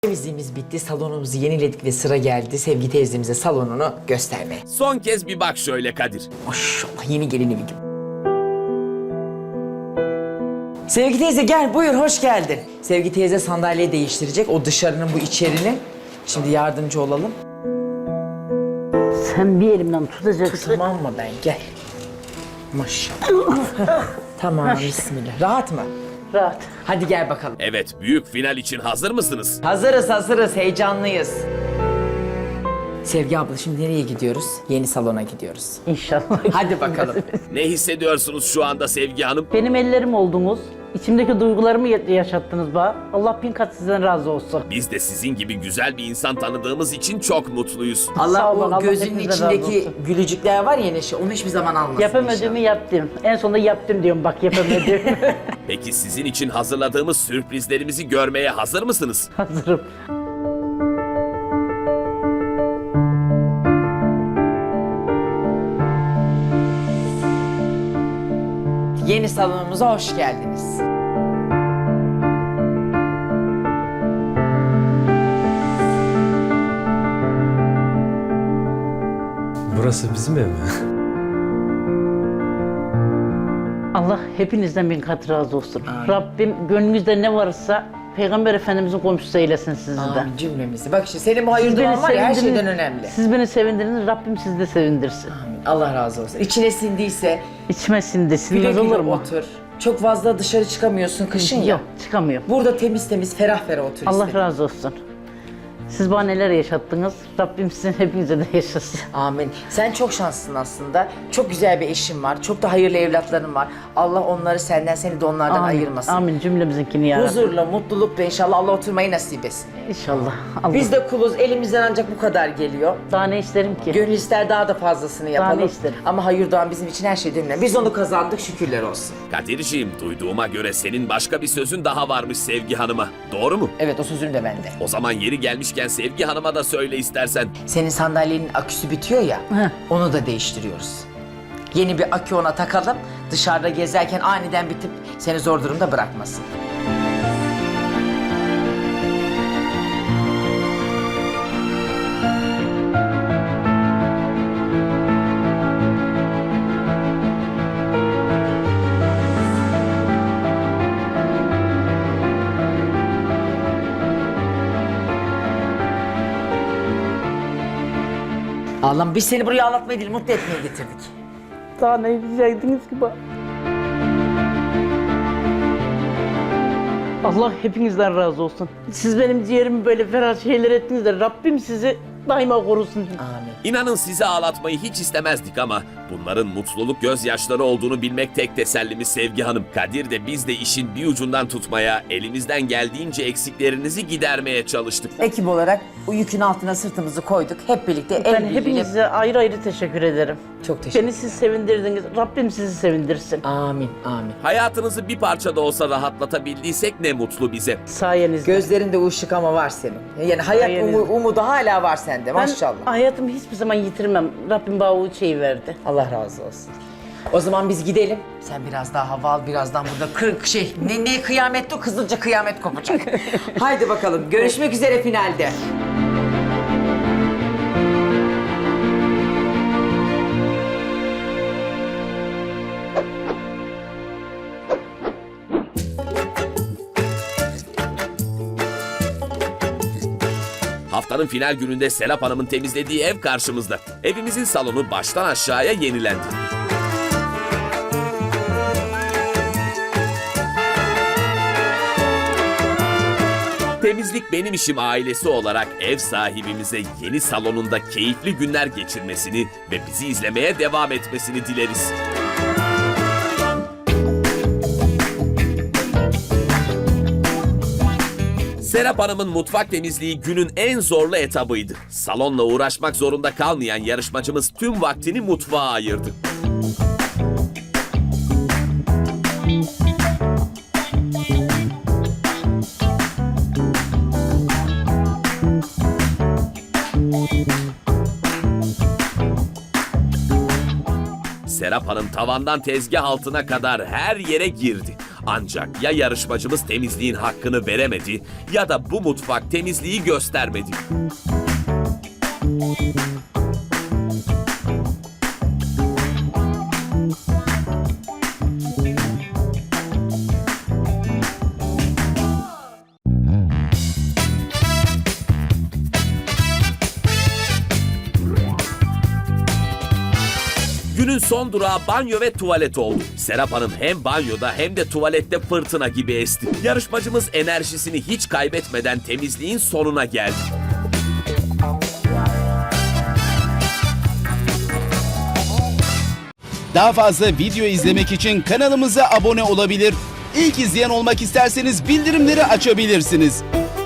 Temizliğimiz bitti, salonumuzu yeniledik ve sıra geldi Sevgi teyzemize salonunu göstermeye. Son kez bir bak şöyle Kadir. Maşallah yeni gelini gibi. Sevgi teyze gel buyur, hoş geldin. Sevgi teyze sandalyeyi değiştirecek, o dışarının bu içerinin. Şimdi yardımcı olalım. Sen bir elimden tutacaksın. Tamam mı ben, gel. Maşallah. Tamam, bismillah. Rahat mı? Rahat. Hadi gel bakalım. Evet, büyük final için hazır mısınız? Hazırız, heyecanlıyız. Sevgi abla şimdi nereye gidiyoruz? Yeni salona gidiyoruz. İnşallah. Hadi bakalım. Ne hissediyorsunuz şu anda Sevgi Hanım? Benim ellerim oldunuz. İçimdeki duygularımı yaşattınız bana. Allah bin kat sizden razı olsun. Biz de sizin gibi güzel bir insan tanıdığımız için çok mutluyuz. Allah Sağ olun, o Allah gözünün hepinizden razı içindeki olsun. gülücükler var ya Neşe, onu hiçbir zaman almasın Yapamadığımı yaptım. En sonunda yaptım diyorum bak yapamadım. Peki sizin için hazırladığımız sürprizlerimizi görmeye hazır mısınız? Hazırım. Yeni salonumuza hoş geldiniz. Burası bizim ev mi? Allah hepinizden bin kat razı olsun. Rabbim gönlünüzde ne varsa Peygamber Efendimizin komşusu eylesin sizi de. Amin cümlemizi. Bak işte senin bu hayır duan var ya her şeyden önemli. Siz beni sevindirdiniz, Rabbim sizi de sevindirsin. Amin. Allah razı olsun. İçine sindiyse İçime sindi, güle sinmez güle olur mu? otur. Çok fazla dışarı çıkamıyorsun kışın ya. Yok, çıkamıyorum. Burada temiz temiz ferah ferah otur Allah istedim. razı olsun. Siz bana neler yaşattınız, Rabbim sizin hepinize de yaşasın. Amin. Sen çok şanslısın aslında. Çok güzel bir eşin var. Çok da hayırlı evlatların var. Allah onları senden, seni de onlardan ayırmasın. Amin cümlemizinkini ya Rabbi. Huzurla, mutlulukla inşallah Allah oturmayı nasip etsin. İnşallah. Allah. Biz de kuluz, elimizden ancak bu kadar geliyor. Daha ne isterim ki? Gönül ister daha da fazlasını yapalım. ne isterim? Ama hayır doğan bizim için her şeyden önemli. Biz onu kazandık, şükürler olsun. Kadir'ciğim, duyduğuma göre senin başka bir sözün daha varmış Sevgi Hanım'a. Doğru mu? Evet, o sözüm de bende. O zaman yeri gelmişken Sevgi Hanım'a da söyle istersen. Senin sandalyenin aküsü bitiyor ya, onu da değiştiriyoruz. Yeni bir akü ona takalım, dışarıda gezerken aniden bitip seni zor durumda bırakmasın. Allah'ım biz seni buraya ağlatmaya değil, mutlu etmeye getirdik. Daha ne diyecektiniz ki bana? Allah hepinizden razı olsun. Siz benim ciğerimi böyle ferah şeyler ettiniz de Rabbim sizi daima korusun. Amin. İnanın sizi ağlatmayı hiç istemezdik ama bunların mutluluk gözyaşları olduğunu bilmek tek tesellimiz Sevgi Hanım. Kadir de biz de işin bir ucundan tutmaya, elimizden geldiğince eksiklerinizi gidermeye çalıştık. Ekip olarak bu yükün altına sırtımızı koyduk. Hep birlikte el Ben birliğiyle... hepinize ayrı ayrı teşekkür ederim. Çok teşekkür Beni siz sevindirdiniz. Rabbim sizi sevindirsin. Amin, amin. Hayatınızı bir parça da olsa rahatlatabildiysek ne mutlu bize. Sayenizde. Gözlerinde ışık ama var senin. Yani hayat Sayenizde. umudu hala var sende Ben maşallah. hayatımı hiçbir zaman yitirmem. Rabbim bana o şeyi verdi. Allah razı olsun. O zaman biz gidelim. Sen biraz daha hava al, birazdan burada ne kıyamet o, kızılca kıyamet kopacak. Haydi bakalım, görüşmek üzere finalde. Haftanın final gününde Serap Hanım'ın temizlediği ev karşımızda. Evimizin salonu baştan aşağıya yenilendi. Temizlik Benim İşim ailesi olarak ev sahibimize yeni salonunda keyifli günler geçirmesini ve bizi izlemeye devam etmesini dileriz. Serap Hanım'ın mutfak temizliği günün en zorlu etabıydı. Salonla uğraşmak zorunda kalmayan yarışmacımız tüm vaktini mutfağa ayırdı. Serap Hanım tavandan tezgah altına kadar her yere girdi. Ancak ya yarışmacımız temizliğin hakkını veremedi ya da bu mutfak temizliği göstermedi. Günün son durağı banyo ve tuvalet oldu. Serap Hanım hem banyoda hem de tuvalette fırtına gibi esti. Yarışmacımız enerjisini hiç kaybetmeden temizliğin sonuna geldi. Daha fazla video izlemek için kanalımıza abone olabilir. İlk izleyen olmak isterseniz bildirimleri açabilirsiniz.